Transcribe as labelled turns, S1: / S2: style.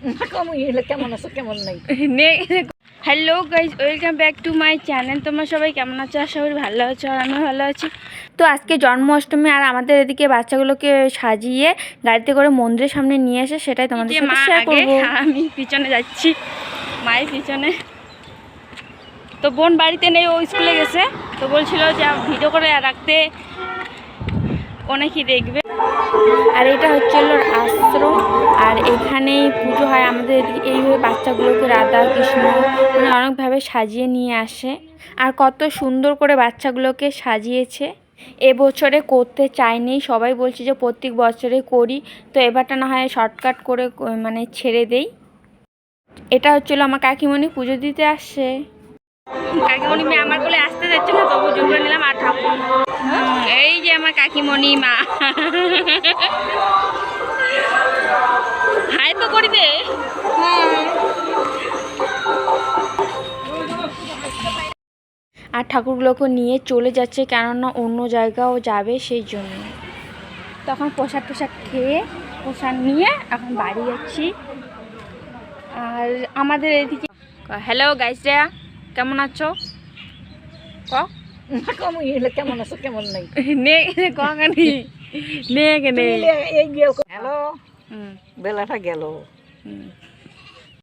S1: কেমন আছো কেমন নাই।
S2: Hello guys, welcome back to my channel. তোমরা সবাই কেমন আছো? আশা করি ভালো আছো, আর আমিও ভালো আছি। তো আজকে জন্মাষ্টমী, আর আমাদের এদিকে বাচ্চাগুলোকে সাজিয়ে গাড়িতে করে মন্দিরের সামনে নিয়ে এসে সেটাই তোমাদের সাথে শেয়ার করব। আমি পিছনে যাচ্ছি, মায়ের পিছনে। তো বোন বাড়িতে নেই, ও স্কুলে গেছে। তো বলছিল যে ভিডিও করে রাখতে, অনেকেই দেখবে। আর এটা হচ্ছে আশ্রম, আর এখানেই পুজো হয় আমাদের এদিকে। এইভাবে বাচ্চাগুলোকে রাধা কৃষ্ণ মানে অনেকভাবে সাজিয়ে নিয়ে আসে, আর কত সুন্দর করে বাচ্চাগুলোকে সাজিয়েছে। এবছরে করতে চাইনি, সবাই বলছে যে প্রত্যেক বছরে করি, তো এবারটা না হয় শর্টকাট করে মানে ছেড়ে দেই। এটা হচ্ছিল আমার কাকিমণি পুজো দিতে আসছে। কাকিমণি মেয়ে আমার কোলে আসতে যাচ্ছে না, তবু জোর করে নিলাম। আর ঠাকুর, এই যে আমার কাকিমণি মা, হাই তো করি দে। আর ঠাকুরগুলোকে নিয়ে চলে যাচ্ছে, কেননা অন্য জায়গাও যাবে সেই জন্য। তখন প্রসাদ খেয়ে প্রসাদ নিয়ে এখন বাড়ি যাচ্ছি। আর আমাদের এদিকে হ্যালো গাইসরা, কেমন আছো?
S1: কেমন আছো কেমন নাই।
S2: হ্যালো,
S1: বেলাটা গেল।